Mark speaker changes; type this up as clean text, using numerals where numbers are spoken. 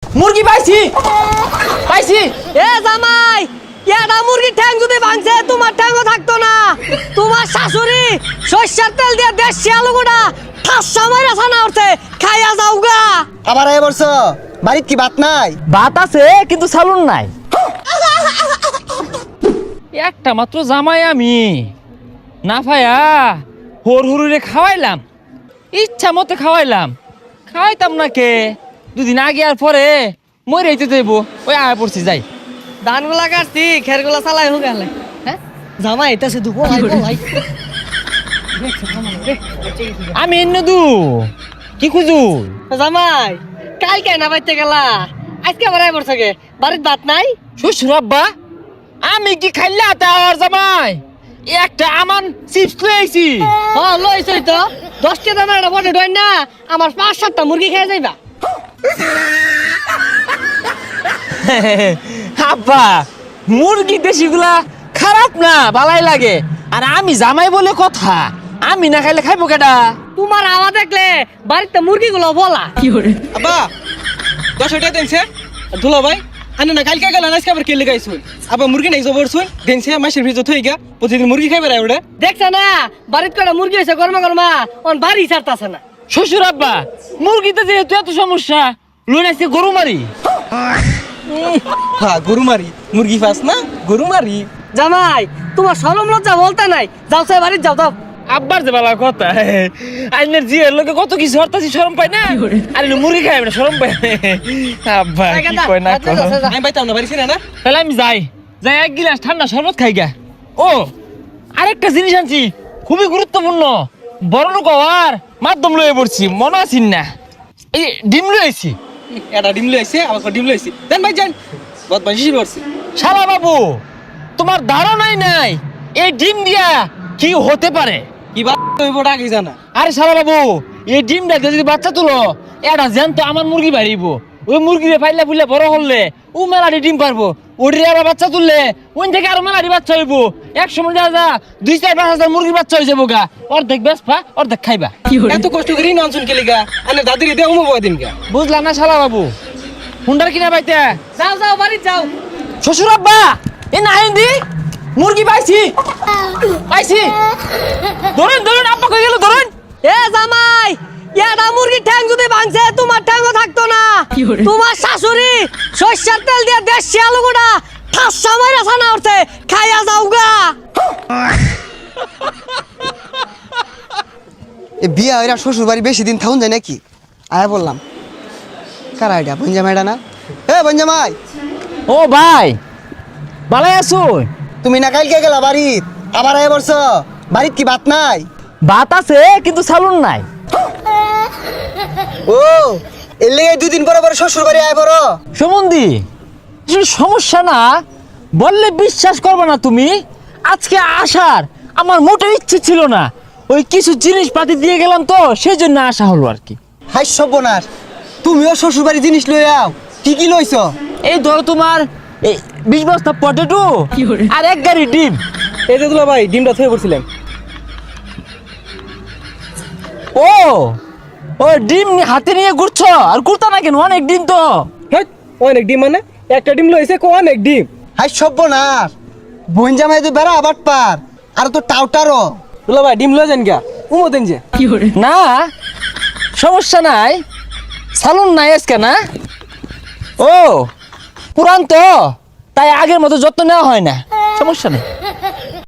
Speaker 1: মুরগি পাইছি পাইছি।
Speaker 2: এ জামাই, এটা মুরগির ঠ্যাং যদি ভাঙছে তোমার ঠ্যাংও থাকতো না। তোমার শাশুড়ি সরষের তেল দিয়ে দেশি আলুগুড়া ঠাসা মাইরা ছানা উঠছে, খাইয়া যাও গা।
Speaker 3: আবার আয় বলছ বাড়িত কি ভাত নাই?
Speaker 1: ভাত আছে কিন্তু সালুন নাই। একটা মাত্র জামাই আমি না পায়া হর হরুরে খাওয়াইলাম, ইচ্ছা মতো খাওয়াইলাম, খাওয়াইতাম না কে দুদিন আগে আর পরে মরে হইতে দেবো। ওই আয় পড়ছি যাই।
Speaker 2: ধানগুলা কাটছি, খেরগুলা চালাই হোক গেলে। হ্যাঁ জামাই এটা সে দুপুর ভাই।
Speaker 1: আমি এন্নদু কি খুঁজু?
Speaker 2: জামাই কালকে না বাইতে গেলা, আজকে আবার আই পড়ছে গে, বাড়ির ভাত নাই?
Speaker 1: শ্বশুর আব্বা আমি কি খাইলা তার জামাই একটা আমান চিপস লইছি।
Speaker 2: হ্যাঁ লইছই তো, 10টা দানা একটা বটে ডয় না, আমার 5-7টা মুরগি খেয়ে যাইবা।
Speaker 1: আব্বা মুরগি দেশিগুলা খারাপ না, ভালাই লাগে। আর আমি জামাই বলে কথা, আমি না খাইলে খাইবো কেডা?
Speaker 2: তোমার আওয়াজ দেখলে বাড়িতে মুরগিগুলো বলা।
Speaker 3: আব্বা 10 টাকা দেনছে দুলা ভাই আনে না কালকে গেল আজকে আবার কেলে গাইছুন আবার মুরগি নাই জবর শুন দেনছে মাসের ভিতর থই গা প্রতিদিন মুরগি খাইবে রে ওটা
Speaker 2: দেখছ না বাড়িতে কটা মুরগি হইছে গরমা গরমা, অন বাড়ি ছাড়তাছে না।
Speaker 1: শ্বশুর আব্বা মুরগিতে যেহেতু এত সমস্যা লুন আসছে গরু মারি।
Speaker 3: হ্যাঁ গরু মারি মুরগি ফাস না গরু মারি।
Speaker 2: জামাই তোমার শরম লজ্জা বলতে নাই, যাও সে বাড়ি যাও দাও।
Speaker 1: আব্বার যে বালা কথা, আইনের জিয়ের লোকে কত কিছু হরতাছি শরম পায় না, আর মুরগি খাই না শরম পায়। আব্বা কি কয় না কয়।
Speaker 3: আমি পাইতাম না বাড়ি ছিনা না।
Speaker 1: তাহলে আমি যাই যাই এক গিলাস ঠান্ডা শরবত খাই গা। ও আরেকটা জিনিস আনছি খুবই গুরুত্বপূর্ণ, বড় লোক হওয়ার মাধ্যম লয়ে পড়ছি, মনে আছিস না? এই ডিম লয়েছি।
Speaker 3: এটা ডিম লইছে আবার ডিম লইছি দেন ভাই যান বহুত বাঁশি করছে।
Speaker 1: শালা বাবু তোমার ধারণাই নাই এই ডিম দিয়া কি হতে পারে।
Speaker 3: কি বাত হইব ডাকি জানা।
Speaker 1: আরে শালা বাবু এই ডিমটা দিয়ে যদি বাচ্চা তুলো এটা জ্যান্ত আমার মুরগি বাড়িব, ওই মুরগিরে ফাইলে ফুলে বড় হলে ও মেলাটি ডিম পারবো, ওটির আবার বাচ্চা তুললে ওই থেকে আরো মেলাটি বাচ্চা হইব। এক সময় যা যা 2-4-5 হাজার মুরগির বাচ্চা হয়ে যাবো গা, অর্ধেক বেসপা অর্ধেক খাইবা।
Speaker 3: এত কষ্ট করি ননসুন কেলে গা আনে দাদিরে দেও মো দিন গা।
Speaker 1: বুঝলাম না শালা বাবু হুন্ডার কিনা পাইতে।
Speaker 2: যাও যাও বাড়ি যাও।
Speaker 1: শ্বশুর আব্বা এ না দি মুরগি পাইছি পাইছি, ধরেন ধরেন আব্বা কই গেল ধরেন।
Speaker 2: এ জামাই এটা মুরগির ঠ্যাং যদি ভাঙছে তোমার ঠ্যাংও থাকতো না। তোমার শাশুড়ি সরষের তেল দিয়ে দেশি আলুগুড়া ঠাসা মাইরা ছানা উঠছে, খাইয়া যাও গা।
Speaker 3: এ বিয়া হইরা শ্বশুর বাড়ি বেশি দিন থাকুন যায় নাকি? আয়া বললাম কারা এটা বঞ্জামাইটা না? এ বঞ্জামাই
Speaker 1: ও ভাই ভালাই আছো?
Speaker 3: তুমি না কালকে গেলা বাড়িত আবার আয়া বলছ বাড়িত কি ভাত নাই?
Speaker 1: ভাত আছে কিন্তু সালুন নাই।
Speaker 3: ও এর লেগে 2 দিন পরে পরে শ্বশুর বাড়ি আয় বড়
Speaker 1: সুমন্দি আসলে সমস্যা না বললে বিশ্বাস করবে না তুমি, আজকে আসার আমার মোটেও ইচ্ছে ছিল না, ওই কিছু জিনিসপাতি দিয়ে গেলাম তো সেই জন্য আসা হলো আর কি।
Speaker 3: হাই সর্বনাশ, তুমিও শ্বশুর বাড়ি জিনিস লই আও। কি কি লইছ?
Speaker 1: এই ধরো তোমার এই 20 বস্তা পটেটো আর 1 গাড়ি ডিম।
Speaker 3: এই যে দুলা ভাই ডিমটা থয়ে পড়ছিলাম।
Speaker 1: ও ও ডিম হাতে নিয়ে ঘুরছো আর ঘুরতা না কেন? অনেক ডিম তো।
Speaker 3: হ্যাঁ অনেক ডিম মানে একটা ডিম লইছে কো অনেক ডিম। হাই সর্বনাশ, বঞ্জামাই তো বেড়া আবার পার আর তো টাউটারও। দুলা ভাই ডিম লই যান গা উমো দেন যে।
Speaker 1: না সমস্যা নাই, সালুন নাই আজকে না। ও পুরান তো তাই আগের মতো যত্ন নেওয়া হয় না, সমস্যা নেই।